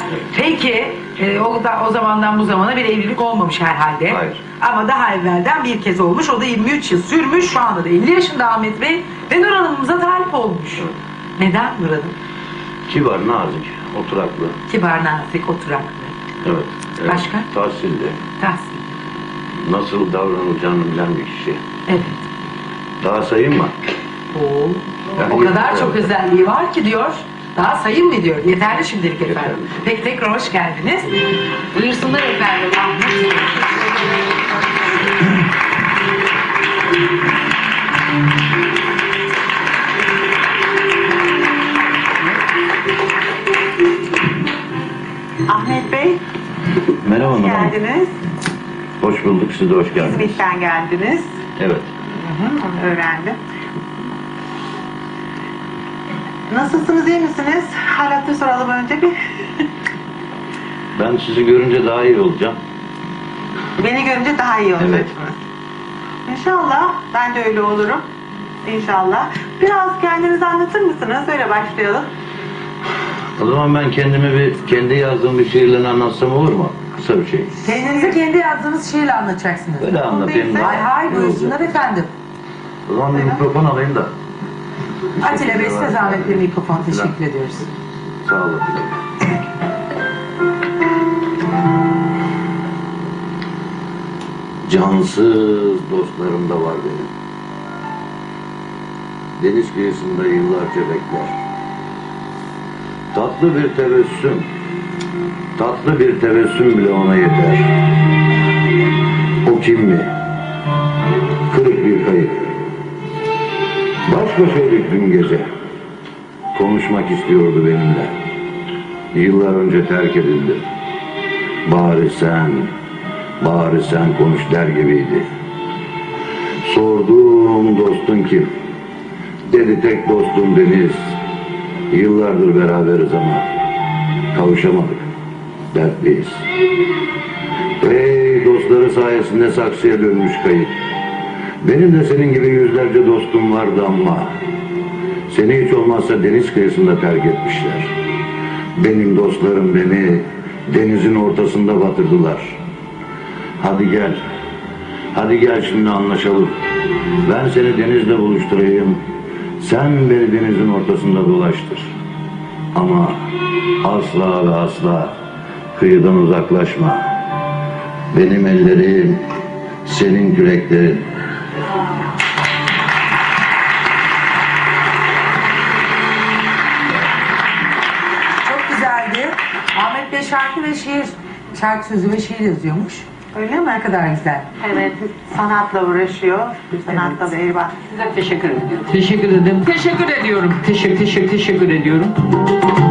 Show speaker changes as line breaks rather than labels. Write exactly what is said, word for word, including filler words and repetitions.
Peki e, o, da, o zamandan bu zamana bir evlilik olmamış herhalde.
Hayır.
Ama daha evvelden bir kez olmuş. O da yirmi üç yıl sürmüş. Şu anda da elli yaşında Ahmet Bey. Ve Nur Hanım'ımıza talip olmuş.
Evet.
Neden Nur Hanım?
Kibar, nazik, oturaklı.
Kibar, nazik, oturaklı.
Evet. evet.
Başka?
Tahsilli.
Tahsil.
Nasıl davranacağını bilen bir kişi.
Evet.
Daha sayayım mı?
Oo.
Yani
O kadar
evet.
çok özelliği var ki diyor. Daha sayın mı diyor. Yeterli şimdilik efendim.
Yeterli.
Peki tekrar hoş geldiniz. Buyursunlar efendim. Ahmet Bey.
Ahmet Bey,
Merhaba
hoş
Nur Hanım.
geldiniz.
Hoş bulduk, siz de hoş geldiniz.
İzmit'ten geldiniz.
Evet.
Hı hı, onu öğrendim. Nasılsınız, iyi misiniz? Halatı soralım önce bir.
Ben sizi görünce daha iyi olacağım.
Beni görünce daha iyi olacaksınız.
Evet.
İnşallah, ben de öyle olurum. İnşallah. Biraz kendinizi anlatır mısınız? Öyle başlayalım.
O zaman ben kendimi bir, kendi yazdığım bir şiirle anlatsam olur mu? Kısa bir şey.
Kendinizi kendi yazdığınız şiirle anlatacaksınız.
Böyle anlatayım da.
Hay hay buyursunlar efendim.
O zaman bir mikrofon alayım da.
Atilla Bey size zahmet bir mikrofon teşekkür ediyoruz.
Sağ olun. Cansız dostlarım da var benim. Deniz kıyısında yıllarca bekler. Tatlı bir tebessüm, tatlı bir tebessüm bile ona yeter. O kim mi? Kırık bir kayık. Baş başaydık dün gece. Konuşmak istiyordu benimle. Yıllar önce terk edildi. Bari sen, bari sen konuş der gibiydi. Sordum dostun kim? Dedi tek dostum Deniz. Yıllardır beraberiz ama kavuşamadık. Dertliyiz. Ey dostları sayesinde saksıya dönmüş kayık. Benim de senin gibi yüzlerce dostum vardı ama seni hiç olmazsa deniz kıyısında terk etmişler. Benim dostlarım beni denizin ortasında batırdılar. Hadi gel, hadi gel şimdi anlaşalım. Ben seni denizle buluşturayım. Sen beni denizin ortasında dolaştır. Ama asla ve asla kıyıdan uzaklaşma. Benim ellerim, senin küreklerin.
Çok güzeldi. Ahmet Bey şarkı ve şiir, şarkı sözü ve şiir yazıyormuş.
Öyle mi?
Ne kadar güzel.
Evet, sanatla uğraşıyor. Sanatla da eyvah.
Size teşekkür ediyorum. Teşekkür ederim. Teşekkür ediyorum. Teşekkür, teşekkür, teşekkür ediyorum.